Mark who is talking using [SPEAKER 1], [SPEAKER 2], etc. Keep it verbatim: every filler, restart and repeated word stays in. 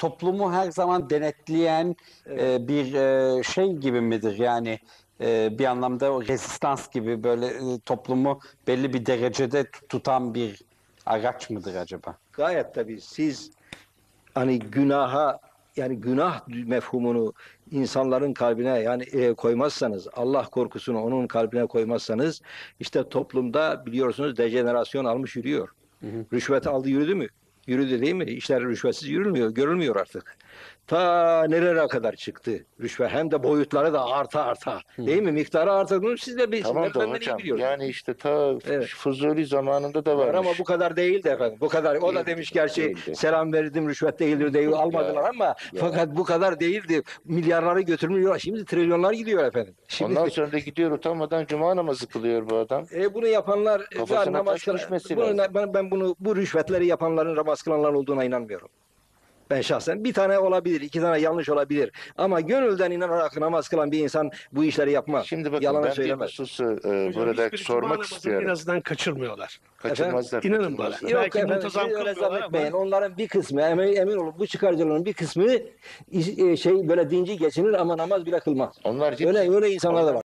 [SPEAKER 1] toplumu her zaman denetleyen e, bir e, şey gibi midir? Yani e, bir anlamda o rezistans gibi böyle e, toplumu belli bir derecede tutan bir araç mıdır acaba?
[SPEAKER 2] Gayet tabii siz hani günaha yani günah mefhumunu insanların kalbine yani e, koymazsanız, Allah korkusunu onun kalbine koymazsanız işte toplumda biliyorsunuz dejenerasyon almış yürüyor.
[SPEAKER 1] Hı hı.
[SPEAKER 2] Rüşvet aldı yürüdü mü? Yürüdü değil mi? İşler rüşvetsiz yürülmüyor, görülmüyor artık. Ta nerelere kadar çıktı rüşvet hem de boyutları da arta arta.
[SPEAKER 1] Hı.
[SPEAKER 2] Değil mi? Miktarı arta. Bunu siz de bilirsiniz.
[SPEAKER 3] Tamam da
[SPEAKER 2] Benden iyi
[SPEAKER 3] hocam
[SPEAKER 2] biliyorsunuz.
[SPEAKER 3] yani işte ta
[SPEAKER 2] Evet.
[SPEAKER 3] Fuzuli zamanında da
[SPEAKER 2] Var ama
[SPEAKER 3] varmış.
[SPEAKER 2] bu kadar değildi efendim. Bu kadar. O da
[SPEAKER 3] Değildi,
[SPEAKER 2] demiş gerçi
[SPEAKER 3] değildi.
[SPEAKER 2] selam verdim rüşvet değildir değil almadılar ama fakat bu kadar değildi. Milyarları götürmüyor. Şimdi trilyonlar gidiyor efendim. Şimdi
[SPEAKER 3] Ondan sonra da gidiyor utanmadan cuma namazı kılıyor bu adam.
[SPEAKER 2] e, bunu yapanlar e,
[SPEAKER 3] Kafasına
[SPEAKER 2] namaz
[SPEAKER 3] taş
[SPEAKER 2] kılan-
[SPEAKER 3] düşmesi
[SPEAKER 2] bunu-
[SPEAKER 3] lazım.
[SPEAKER 2] ben, ben bunu bu rüşvetleri yapanların namaz kılanlar olduğuna inanmıyorum. Ben şahsen bir tane olabilir, iki tane yanlış olabilir. Ama gönülden inanarak namaz kılan bir insan bu işleri yapmaz.
[SPEAKER 3] Şimdi bakın
[SPEAKER 2] Yalan
[SPEAKER 3] ben bir
[SPEAKER 2] söylemez.
[SPEAKER 3] hususu e,
[SPEAKER 4] Hocam
[SPEAKER 3] burada
[SPEAKER 4] hiçbiri cuma
[SPEAKER 3] sormak
[SPEAKER 4] namazını
[SPEAKER 3] istiyorum.
[SPEAKER 4] En azından kaçırmıyorlar.
[SPEAKER 3] Kaçırmazlar.
[SPEAKER 4] İnanın bana.
[SPEAKER 3] kaçırmazlar.
[SPEAKER 2] Yok
[SPEAKER 4] Belki
[SPEAKER 2] efendim,
[SPEAKER 4] muntazam
[SPEAKER 2] siz öyle
[SPEAKER 4] kılmıyorlar
[SPEAKER 2] zannetmeyin.
[SPEAKER 4] ama-
[SPEAKER 2] Onların bir kısmı, emin, emin olun bu çıkarcıların bir kısmı e, şey böyle dinci geçinir ama namaz bile kılmaz.
[SPEAKER 3] Onlar ciddi-
[SPEAKER 2] Öyle öyle insanlar da var.